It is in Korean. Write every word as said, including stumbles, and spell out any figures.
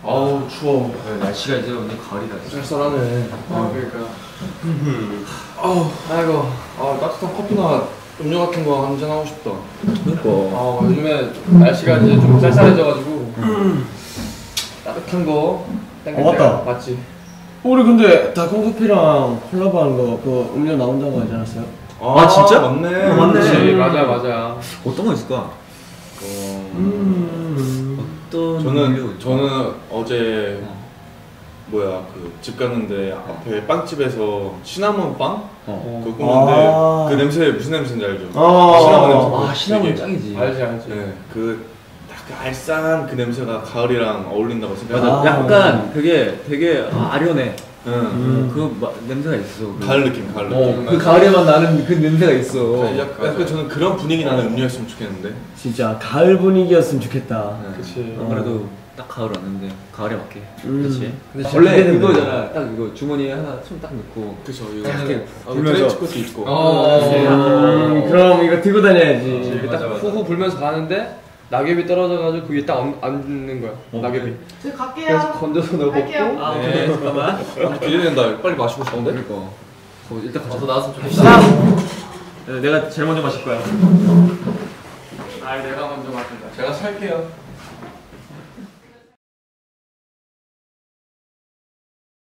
아우 추워. 네, 날씨가 이제 완전 가을이다. 쌀쌀하네. 아 그러니까. 아우 아이고. 아 따뜻한 커피나 음료 같은 거 한잔 하고 싶다. 그니까. 아 요즘에 날씨가 이제 좀 쌀쌀해져가지고 음. 따뜻한 거 땡길 어, 맞다. 때가 맞지. 우리 근데 달콤커피랑 콜라보하는 거 그 음료 나온다고 하지 않았어요? 아, 아, 진짜? 맞네. 아, 맞네. 그치, 맞아 맞아. 어떤 거 있을까? 어... 음. 어떤 저는 저는 어제 어. 뭐야 그 집 갔는데 앞에 빵집에서 시나몬 빵 어. 그거 굽는데 아. 그 냄새 무슨 냄새인지 알죠? 아. 시나몬 냄새. 아, 시나몬 되게- 짱이지. 알지 알지. 네, 그딱 그 알싸한 그 냄새가 가을이랑 어울린다고 맞아. 생각해요. 아. 약간 그게 되게 아련해. 응. 음. 그 마, 냄새가 있어. 그. 가을 느낌, 가을 느낌. 어, 그 가을에만 나는 그 냄새가 있어. 약간, 약간 저는 그런 분위기 나는 음료였으면 좋겠는데. 진짜 가을 분위기였으면 좋겠다. 네. 그치. 안 그래도 딱 가을 왔는데 가을에 맞게. 음. 그렇지. 근데 원래 기대된다. 그거잖아. 딱 이거 주머니에 하나 손 딱 넣고. 그쵸, 이거. 이렇게 아, 불면서. 트렌치코트 입고. 어. 음, 그럼 이거 들고 다녀야지. 이렇게 딱 맞아, 맞아. 후후 불면서 가는데 낙엽이 떨어져가지고 그게 딱 얹- 앉는 거야. 어, 낙엽이. 저 그래서 갈게요. 건져서 넣어 갈게요. 먹고. 아, 네. 오케이. 잠깐만. 아, 기대된다. 빨리 마시고 싶은데? 그러니까. 어, 일단 가자. 어서 나왔으면 좋겠다. 네, 내가 제일 먼저 마실 거야. 아 내가 먼저 마신다. 제가 살게요.